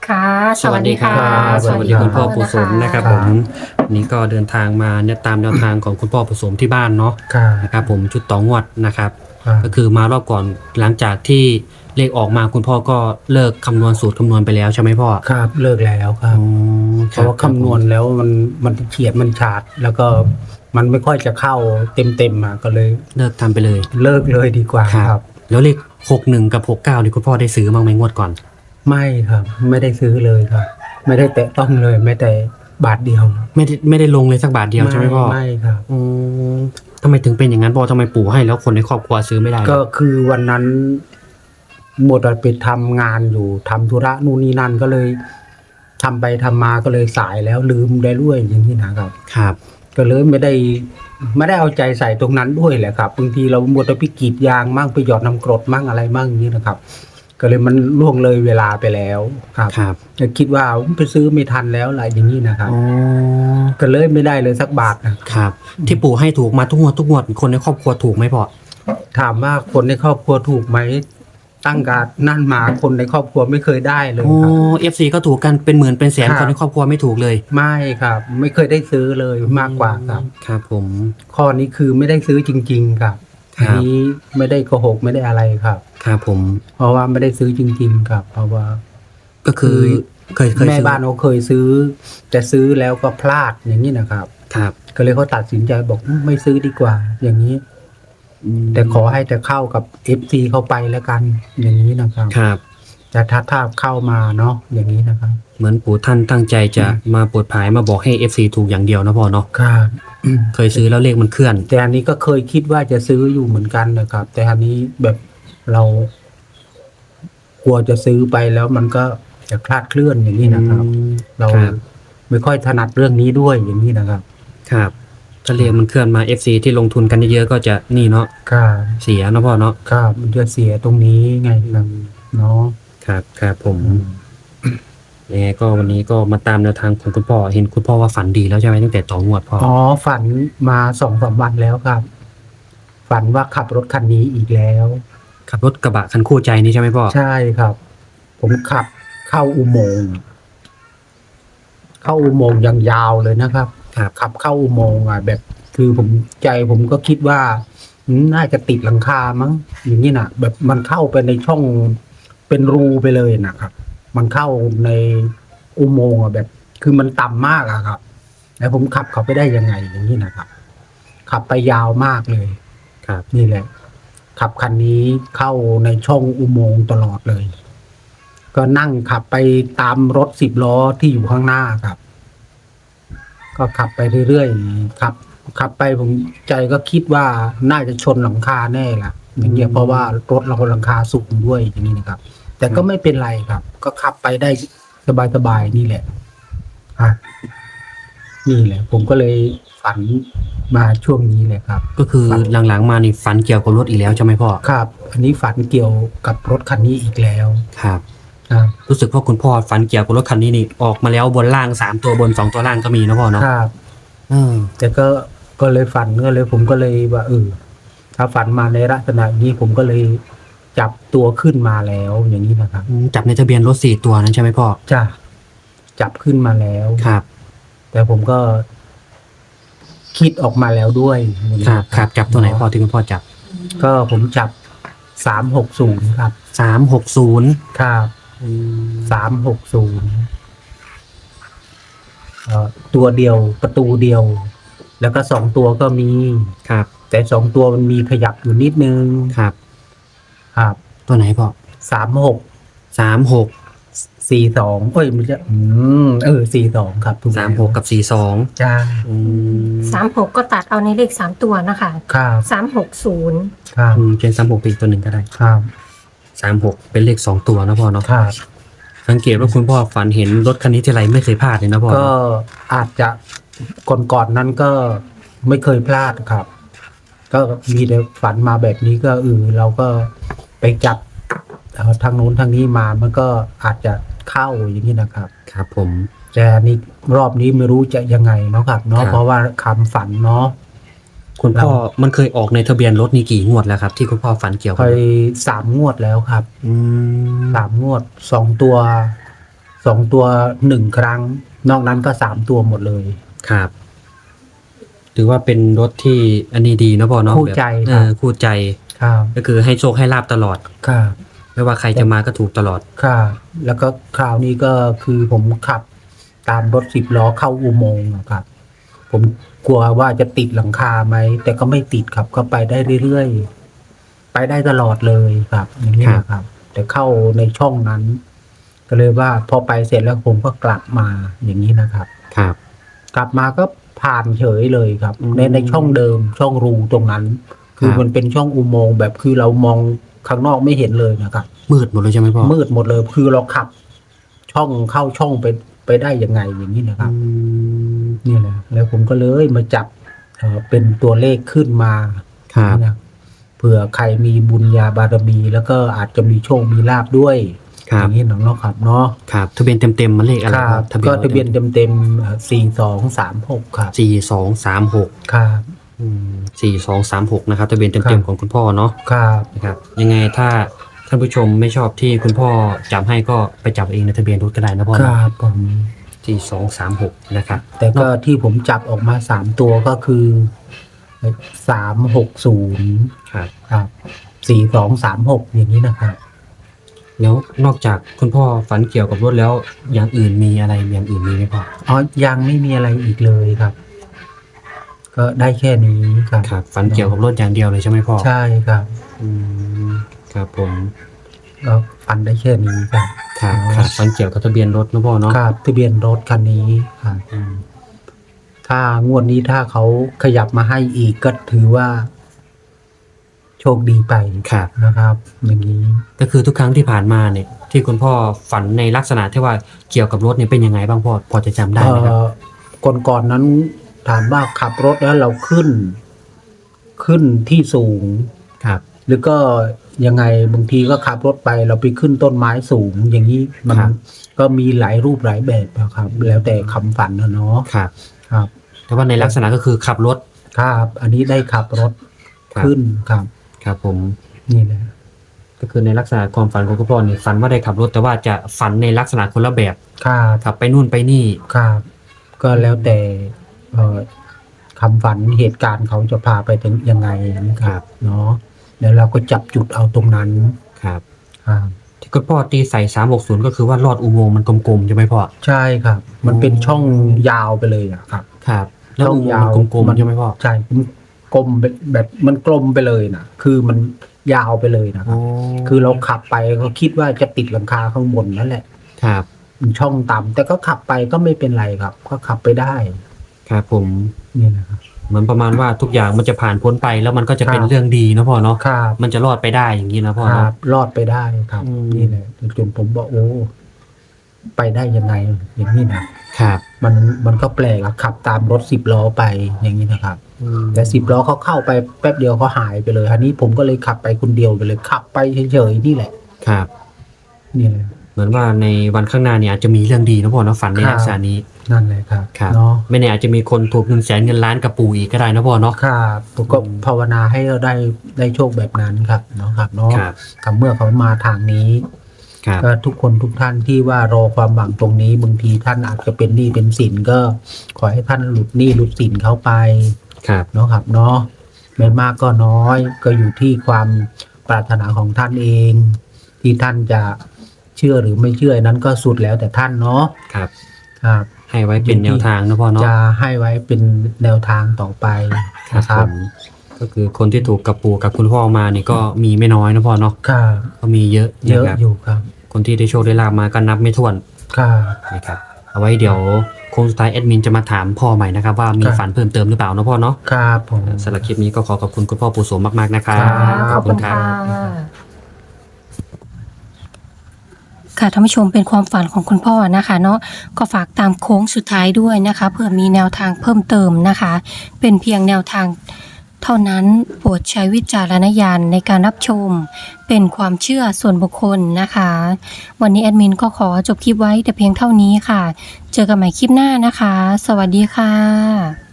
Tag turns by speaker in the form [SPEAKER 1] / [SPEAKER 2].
[SPEAKER 1] ค่ะ
[SPEAKER 2] สวัสดีครับ
[SPEAKER 1] ส
[SPEAKER 2] ส
[SPEAKER 1] วัส
[SPEAKER 2] วัส
[SPEAKER 1] ดี
[SPEAKER 2] ดี
[SPEAKER 1] คุ
[SPEAKER 2] คุณ ณ
[SPEAKER 1] พ่
[SPEAKER 2] พ่
[SPEAKER 1] อ
[SPEAKER 2] อ
[SPEAKER 1] ปุ
[SPEAKER 2] ปุ
[SPEAKER 1] ส
[SPEAKER 2] ส
[SPEAKER 1] ม
[SPEAKER 2] ม
[SPEAKER 1] นะ
[SPEAKER 2] นะ
[SPEAKER 1] ค
[SPEAKER 2] ค
[SPEAKER 1] รั
[SPEAKER 2] รั
[SPEAKER 1] บบ ผ
[SPEAKER 2] ผม มวันนี้ก็เดินทางมาเนี่ยตามแนวทางของคุณพ่อปุสมที่บ้านเนาะ
[SPEAKER 3] ครับ
[SPEAKER 2] นะครับผมชุดต่องวดนะครับ
[SPEAKER 3] ครับ
[SPEAKER 2] ก็คือมารอบก่อนหลังจากที่เลขออกมาคุณพ่อก็เลิกคำนวณสูตรคำนวณไปแล้วใช่ไหมพ่อ
[SPEAKER 3] ครับเลิกแล้วครั
[SPEAKER 2] อ๋
[SPEAKER 3] บ
[SPEAKER 2] อ
[SPEAKER 3] เพราะว่าคำนวณแล้วมันเฉียดมันฉาดแล้วก็มันไม่ค่อยจะเข้าเต็มมาก็เลย
[SPEAKER 2] เลิกทำไปเลย
[SPEAKER 3] เลิกเลยดีกว่าครับ
[SPEAKER 2] แล้วเลข61กับ69นี่คุณพ่อได้ซื้อบ้างไหมงวดก่อน
[SPEAKER 3] ไม่ครับ ไม่ได้ซื้อเลยครับ ไม่ได้แตะต้องเลยแม้แต่บาทเดียว
[SPEAKER 2] ไม่ได้ลงเลยสักบาทเดียวใช่ไหมพ่อ
[SPEAKER 3] ไม่ครับ
[SPEAKER 2] อืมทำไมถึงเป็นอย่างนั้นพ่อทำไมปู่ให้แล้วคนในครอบครัวซื้อไม่ได้
[SPEAKER 3] ก็คือวันนั้นหมดไปทำงานอยู่ทำธุระนู่นนี่นั่นก็เลยทำไปทำมาก็เลยสายแล้วลืมได้ด้วยอย่างนี้นะครับ
[SPEAKER 2] ครับ
[SPEAKER 3] ก็เลยไม่ได้เอาใจใส่ตรงนั้นด้วยแหละครับบางทีเราหมดไปกรีดยางมั่งไปหยอดน้ำกรดมั่งอะไรมั่งอย่างนี้นะครับ ก็เลยมันล่วงเลยเวลาไปแล้วครับ
[SPEAKER 2] ครับ
[SPEAKER 3] ก็คิดว่าไปซื้อไม่ทันแล้วอะไรอย่างนี้นะครับ
[SPEAKER 2] อ๋อ
[SPEAKER 3] ก็เลยไม่ได้เลยสักบาทนะครับ
[SPEAKER 2] ที่ปู่ให้ถูกมาทุกงวดคนในครอบครัวถูกไหมพ่อ
[SPEAKER 3] ถามว่าคนในครอบครัวถูกไหมตั้งการนั่นมาคนในครอบครัวไม่เคยได้เลย
[SPEAKER 2] โอ้
[SPEAKER 3] ครับ
[SPEAKER 2] FC ก็ถูกกันเป็นหมื่นเป็นแสน
[SPEAKER 3] ครับ
[SPEAKER 2] คนในครอบครัวไม่ถูกเลย
[SPEAKER 3] ไม่ครับ ไม่เคยได้ซื้อเลยมากกว่าครับ
[SPEAKER 2] ครับผม
[SPEAKER 3] ข้อนี้คือไม่ได้ซื้อจริง ๆ ครับ
[SPEAKER 2] ครับ
[SPEAKER 3] อันนี้ไม่ได้โกหกไม่ได้อะไรครับ
[SPEAKER 2] ครับผม
[SPEAKER 3] เพราะว่าไม่ได้ซื้อจริง ๆ ครับ เพราะว่า
[SPEAKER 2] ก็คือเคย
[SPEAKER 3] แม่
[SPEAKER 2] ซื้อ
[SPEAKER 3] บ้านเขาเคยซื้อแต่ซื้อแล้วก็พลาดอย่างนี้นะครับ
[SPEAKER 2] ครับ
[SPEAKER 3] ก็เลยเขาตัดสินใจบอกไม่ซื้อดีกว่า อย่างนี้ แต่ขอให้แต่เข้ากับ FC เข้าไปแล้วกัน อย่างนี้นะครับ
[SPEAKER 2] ครับ
[SPEAKER 3] แต่ถ้าเข้ามาเนาะอย่างนี้นะครับ
[SPEAKER 2] เหมือนปู่ท่านตั้งใจจะมาโปรดภายมาบอกให้ FC ถูกอย่างเดียวนะพ่อเนาะ
[SPEAKER 3] ครับ
[SPEAKER 2] เคยซื้อแล้วเลขมันเคลื่อน
[SPEAKER 3] แต่อันนี้ก็เคยคิดว่าจะซื้ออยู่เหมือนกันนะครับ แต่อันนี้แบบเรากลัวจะซื้อไปแล้วมันก็จะคลาดเคลื่อนอย่างนี้นะครับ เรา
[SPEAKER 2] ครับ
[SPEAKER 3] ไม่ค่อยถนัดเรื่องนี้ด้วยอย่างนี้นะครับ
[SPEAKER 2] ครับถ้าเลขมันเคลื่อนมา FC ที่ลงทุนกันเยอะๆก็จะนี่เนาะ
[SPEAKER 3] ครับ
[SPEAKER 2] เสียนะพ่อเนาะ
[SPEAKER 3] ครับมันจะเสียตรงนี้ไงครับเนาะ
[SPEAKER 2] ครับครับผมยังไงก็วันนี้ก็มาตามแนวทางของคุณพ่อเห็นคุณพ่อว่าฝันดีแล้วใช่ไหมตั้งแต่ต่องวดพ่อ
[SPEAKER 3] อ๋อฝันมา2-3 วันแล้วครับ ฝันว่าขับรถคันนี้อีกแล้ว
[SPEAKER 2] ขับรถกระบะคันคู่ใจนี่ใช่ไหมพ่อ
[SPEAKER 3] ใช่ครับ ผมขับเข้าอุโมงค์เข้าอุโมงค์อย่างยาวเลยนะครับ
[SPEAKER 2] ครับ
[SPEAKER 3] ขับเข้าอุโมงค์อ่ะแบบ คือผมก็คิดว่าน่าจะติดหลังคามั้งอย่างนี้นะแบบมันเข้าไปในช่องเป็นรูไปเลยนะครับ มันเข้าในอุโมงค์อ่ะแบบ คือมันต่ำมากอะครับ แล้วผมขับเขาไปได้ยังไงอย่างนี้นะครับ ขับไปยาวมากเลย
[SPEAKER 2] ครับ
[SPEAKER 3] นี่แหละ ขับคันนี้เข้าในช่องอุโมงค์ตลอดเลย ก็นั่งขับไปตามรถ10 ล้อที่อยู่ข้างหน้าครับ ก็ขับไปเรื่อยๆขับไปผมใจก็คิดว่าน่าจะชนหลังคาแน่ล่ะ อย่างเงี้ยเพราะว่ารถเราหลังคาสูงด้วยอย่างนี้นะครับ แต่ก็ไม่เป็นไรครับ ก็ขับไปได้สบายๆนี่แหละอ่ะนี่แหละ ผมก็เลยฝันมาช่วงนี้เลยครับ
[SPEAKER 2] ก็คือหลังๆมานี่ฝันเกี่ยวกับรถอีกแล้วใช่ไหมพ่อ
[SPEAKER 3] ครับ อันนี้ฝันเกี่ยวกับรถคันนี้อีกแล้ว
[SPEAKER 2] ครับ
[SPEAKER 3] ครับ
[SPEAKER 2] รู้สึกว่าคุณพ่อฝันเกี่ยวกับรถคันนี้นี่ออกมาแล้วบนล่าง3ตัวบน2ตัวล่างก็มีนะพ่อเนาะ
[SPEAKER 3] ครับ
[SPEAKER 2] อืม
[SPEAKER 3] แต่ก็เลยฝันก็เลยผมก็เลยว่าถ้าฝันมาในลักษณะนี้ผมก็เลยจับตัวขึ้นมาแล้วอย่างนี้นะครับ
[SPEAKER 2] จับในทะเบียนรถ4ตัวนั้นใช่ไหมพ่อ
[SPEAKER 3] จ้ะจับขึ้นมาแล้ว
[SPEAKER 2] ครับ
[SPEAKER 3] แต่ผมก็คิดออกมาแล้วด้วยอย่างนี้
[SPEAKER 2] ครับครับจับตัวไหนพ่อที่คุณพ่อจับ
[SPEAKER 3] ก็ผมจับ360ครับ
[SPEAKER 2] 360
[SPEAKER 3] ครับ360ตัวเดียวประตูเดียว แล้วก็2 ตัวก็มี
[SPEAKER 2] ครับ
[SPEAKER 3] แต่2 ตัวมันมีขยับอยู่นิดนึง
[SPEAKER 2] ครับ
[SPEAKER 3] ครับ
[SPEAKER 2] ตัวไหนพ่อ
[SPEAKER 3] 36
[SPEAKER 2] 36
[SPEAKER 3] 42มันจะ42ครับถูกแล้ว
[SPEAKER 2] 36กับ42
[SPEAKER 3] จ้า
[SPEAKER 2] อืม
[SPEAKER 1] 36ก็ตัดเอาในเลข3ตัวนะคะ
[SPEAKER 3] ครับ
[SPEAKER 1] 360
[SPEAKER 3] ครับ
[SPEAKER 2] เป็น36เป็นอีกตัวหนึ่งก็ได้
[SPEAKER 3] ครับ
[SPEAKER 2] 36เป็นเลข2ตัวนะพ่อเนาะ
[SPEAKER 3] ครับ
[SPEAKER 2] สังเกตว่าคุณพ่อฝันเห็นรถคันนี้ทีไรไม่เคยพลาดเลยนะพ่อ
[SPEAKER 3] ก็อาจจะก่อนนั้นก็ไม่เคยพลาดครับ ก็มีแต่ฝันมาแบบนี้ก็เราก็ไปจับทางโน้นทางนี้มามันก็อาจจะเข้าอย่างนี้นะครับ
[SPEAKER 2] ครับผม
[SPEAKER 3] แต่อันนี้รอบนี้ไม่รู้จะยังไงเนาะครับเนาะ
[SPEAKER 2] ครับ
[SPEAKER 3] เพราะว่าคำฝันเนาะ
[SPEAKER 2] คุณพ่อมันเคยออกในทะเบียนรถนี่กี่งวดแล้วครับ ที่คุณพ่อฝันเกี่ยว
[SPEAKER 3] เค
[SPEAKER 2] กับ
[SPEAKER 3] ย3 งวดแล้วครับ
[SPEAKER 2] อืม
[SPEAKER 3] 3 งวด2 ตัว 2 ตัว 1 ครั้ง นอกนั้นก็3 ตัวหมดเลย
[SPEAKER 2] ครับถือว่าเป็นรถที่อันนี้ดีนะพ่อเนาะ
[SPEAKER 3] คู่ใจ
[SPEAKER 2] แบบ
[SPEAKER 3] ครับ
[SPEAKER 2] คู่ใจ
[SPEAKER 3] ครับ
[SPEAKER 2] ก็คือให้โชคให้ลาบตลอด
[SPEAKER 3] ครับ
[SPEAKER 2] ไม่ว่าใครจะมาก็ถูกตลอด
[SPEAKER 3] ครับแล้วก็คราวนี้ก็คือผมขับตามรถ10 ล้อเข้าอุโมงค์นะครับ ผมกลัวว่าจะติดหลังคาไหม แต่ก็ไม่ติดครับ ก็ไปได้เรื่อยๆ ไปได้ตลอดเลยครับ อย่างนี้นะครับ แต่เข้าในช่องนั้น ก็เลยว่าพอไปเสร็จแล้วผมก็กลับมาอย่างนี้นะครับ
[SPEAKER 2] ครับ
[SPEAKER 3] กลับมาก็ผ่านเฉยเลยครับ
[SPEAKER 2] อืม
[SPEAKER 3] ในช่องเดิมช่องรูตรงนั้น คือ
[SPEAKER 2] ครับ
[SPEAKER 3] มันเป็นช่องอุโมงค์แบบคือเรามองข้างนอกไม่เห็นเลยนะครับ
[SPEAKER 2] มืดหมดเลยใช่ไหมพ่อ
[SPEAKER 3] มืดหมดเลยคือเราขับ ช่องเข้าช่องไปได้ยังไงอย่างนี้นะครับ
[SPEAKER 2] อืม
[SPEAKER 3] นี่แหละแล้วผมก็เลยมาจับเป็นตัวเลขขึ้นมา
[SPEAKER 2] ครับ
[SPEAKER 3] นะเผื่อใครมีบุญญาบารมี แล้วก็อาจจะมีโชคมีลาบด้วย
[SPEAKER 2] ครั
[SPEAKER 3] อบ ย่างนี้เนาะครับเนาะ
[SPEAKER 2] ครับทะเบียนเต็มๆมันเลขอะไร
[SPEAKER 3] ครับ ก็ทะเบียนเต็ม4236ครับ
[SPEAKER 2] 4236
[SPEAKER 3] ครับ
[SPEAKER 2] 4236นะครับทะเบียน
[SPEAKER 3] ครั
[SPEAKER 2] เต็ม
[SPEAKER 3] บ
[SPEAKER 2] ๆของคุณพ่อเนาะ
[SPEAKER 3] ครับ
[SPEAKER 2] นะครับยังไงถ้าท่านผู้ชมไม่ชอบที่คุณพ่อจับให้ก็ไปจับเองในทะเบียนรถก็ได้นะพ่อ
[SPEAKER 3] ค
[SPEAKER 2] เนาะ
[SPEAKER 3] รับผม
[SPEAKER 2] 4236นะครับ
[SPEAKER 3] แต่ก็ที่ผมจับออกมา3 ตัวก็คือ360
[SPEAKER 2] ครับ
[SPEAKER 3] ครับ4236อย่างนี้นะครับ
[SPEAKER 2] แล้วนอกจากคุณพ่อฝันเกี่ยวกับรถแล้วอย่างอื่นมีอะไรอย่างอื่นมีไหมพ่อ
[SPEAKER 3] อ๋อยังไม่มีอะไรอีกเลยครับ ก็ได้แค่นี้ครับ
[SPEAKER 2] ครับฝันเกี่ยวกับรถอย่างเดียวเลยใช่ไหมพ่อ
[SPEAKER 3] ใช่ครับ
[SPEAKER 2] อืมครับผม
[SPEAKER 3] ก็ฟันได้แค่นี้ครับ
[SPEAKER 2] ครับครับฝันเกี่ยวกับทะเบียนรถนะพ่อเนาะ
[SPEAKER 3] ครับทะเบียนรถคันนี้ครับ
[SPEAKER 2] อืม
[SPEAKER 3] ถ้างวดนี้ถ้าเขาขยับมาให้อีกก็ถือว่า โชคดีไป
[SPEAKER 2] ครับ
[SPEAKER 3] นะครับ อย่างนี้
[SPEAKER 2] ก็คือทุกครั้งที่ผ่านมาเนี่ยที่คุณพ่อฝันในลักษณะที่ว่าเกี่ยวกับรถเนี่ยเป็นยังไงบ้างพ่อพอจะจำได้ไหมครับ
[SPEAKER 3] ก่อนนั้นถามว่าขับรถแล้วเราขึ้นที่สูง
[SPEAKER 2] ครับ
[SPEAKER 3] หรือก็ยังไงบางทีก็ขับรถไปเราไปขึ้นต้นไม้สูง อย่างนี้มัน
[SPEAKER 2] ครับ
[SPEAKER 3] ก็มีหลายรูปหลายแบบนะครับ แล้วแต่คำฝันนะเนาะ
[SPEAKER 2] ครับ
[SPEAKER 3] ครับ
[SPEAKER 2] แต่ว่าในลักษณะก็คือขับรถ
[SPEAKER 3] ครับ อันนี้ได้ขับรถ
[SPEAKER 2] ครับ
[SPEAKER 3] ขึ้นครับ
[SPEAKER 2] ครับผม
[SPEAKER 3] นี่แหละ
[SPEAKER 2] ก็คือในลักษณะความฝันของคุณพ่อเนี่ยฝันว่าได้ขับรถแต่ว่าจะฝันในลักษณะคนละแบบ
[SPEAKER 3] ครับ
[SPEAKER 2] ขับไปนู่นไปนี่
[SPEAKER 3] ครับ ก็แล้วแต่คำฝันเหตุการณ์เขาจะพาไปถึงยังไงนะครับเนาะแล้วเราก็จับจุดเอาตรงนั้น
[SPEAKER 2] ครับ
[SPEAKER 3] ครับ
[SPEAKER 2] ที่คุณพ่อตีใส่360ก็คือว่าลอดอุโมงค์มันกลมๆใช่ไหมพ่อ
[SPEAKER 3] ใช่ครับ มันเป็นช่องยาวไปเลยอะครับ
[SPEAKER 2] ครับแล้วอุโมงค์มันกลมๆใช่ไหมพ่อ
[SPEAKER 3] ใช่มันกลมแบบมันกลมไปเลยนะคือมันยาวไปเลยนะครับ คือเราขับไปก็คิดว่าจะติดหลังคาข้างบนนั่นแหละ
[SPEAKER 2] ครับ
[SPEAKER 3] มันช่องต่ำแต่ก็ขับไปก็ไม่เป็นไรครับ ก็ขับไปได้
[SPEAKER 2] ครับผม
[SPEAKER 3] นี่นะครับ
[SPEAKER 2] เหมือนประมาณว่าทุกอย่างมันจะผ่านพ้นไปแล้วมันก็จะเป็น
[SPEAKER 3] ครับ
[SPEAKER 2] เรื่องดีนะพ่อเนาะ
[SPEAKER 3] ครับ
[SPEAKER 2] มันจะรอดไปได้อย่างนี้นะพ่อ
[SPEAKER 3] ค
[SPEAKER 2] เนาะ
[SPEAKER 3] รับรอดไปได้ครับ
[SPEAKER 2] อืม
[SPEAKER 3] นี่แหละจนผมบอกโอ้ไปได้ยังไงอย่างนี้นะครับ มันก็แปลกอะขับตามรถ10 ล้อไปอย่างนี้นะครับ แต่10 ล้อเขาเข้าไปแป๊บเดียวเขาหายไปเลยอันนี้ผมก็เลยขับไปคนเดียวไปเลยขับไปเฉยๆนี่แหละ
[SPEAKER 2] ครับ
[SPEAKER 3] นี่แหละ
[SPEAKER 2] เหมือนว่าในวันข้างหน้าเนี่ยอาจจะมีเรื่องดีนะพ่อเนาะฝันใน
[SPEAKER 3] ครับ
[SPEAKER 2] ลักษณะนี้
[SPEAKER 3] นั่นแหละครับ
[SPEAKER 2] ครับ
[SPEAKER 3] เนาะ
[SPEAKER 2] ไม่แน่อาจจะมีคนถูกเงินแสนเงินล้านกับปู่อีกก็ได้นะพ่อเนาะ
[SPEAKER 3] ครับผมก็ภาวนาให้เราได้โชคแบบนั้นครับเนาะครับเนาะ
[SPEAKER 2] ครับ
[SPEAKER 3] กับเมื่อเขามาทางนี้
[SPEAKER 2] ครับ
[SPEAKER 3] ก็ทุกคนทุกท่านที่ว่ารอความหวังตรงนี้บางทีท่านอาจจะเป็นหนี้เป็นสินก็ขอให้ท่านหลุดหนี้หลุดสินเข้าไป
[SPEAKER 2] ครับ
[SPEAKER 3] เนาะครับเนาะไม่มากก็น้อยก็อยู่ที่ความปรารถนาของท่านเอง ที่ท่านจะเชื่อหรือไม่เชื่อนั้นก็สุดแล้วแต่ท่านเนาะ
[SPEAKER 2] ครับ
[SPEAKER 3] ครับ
[SPEAKER 2] ให้ไว้เป็นแนวทางนะพ่อเนาะ
[SPEAKER 3] จะให้ไว้เป็นแนวทางต่อไป
[SPEAKER 2] ครับ
[SPEAKER 3] นะค
[SPEAKER 2] ผ
[SPEAKER 3] รับ
[SPEAKER 2] มก็คือคนที่ถูกกับปู่กับคุณพ่อมานี่ก็มีไม่น้อยนะพ่อเนาะ
[SPEAKER 3] ครับ
[SPEAKER 2] ก็มีเยอะ
[SPEAKER 3] เยอะ
[SPEAKER 2] นะครับ
[SPEAKER 3] อยู่ครับ
[SPEAKER 2] คนที่ได้โชคได้ลาบมาก็นับไม่ถ้วน
[SPEAKER 3] ครับ
[SPEAKER 2] นะครับเอาไว้เดี๋ยวโค้งสุดท้ายแอดมินจะมาถามพ่อใหม่นะครับว่ามี
[SPEAKER 3] ครับ
[SPEAKER 2] ฝันเพิ่มเติมหรือเปล่านะพ่อเนาะ
[SPEAKER 3] ครับผม
[SPEAKER 2] สำหรับคลิปนี้ก็ขอบคุณคุณพ่อปู่โสมมากๆนะครับ
[SPEAKER 1] ขอบคุณค่ะค่ะท่านผู้ชมเป็นความฝันของคุณพ่อนะคะเนาะก็ฝากตามโค้งสุดท้ายด้วยนะคะเผื่อมีแนวทางเพิ่มเติมนะคะ เป็นเพียงแนวทางเท่านั้นโปรดใช้วิจารณญาณในการรับชม เป็นความเชื่อส่วนบุคคลนะคะ วันนี้แอดมินก็ขอจบคลิปไว้แต่เพียงเท่านี้ค่ะ เจอกันใหม่คลิปหน้านะคะ สวัสดีค่ะ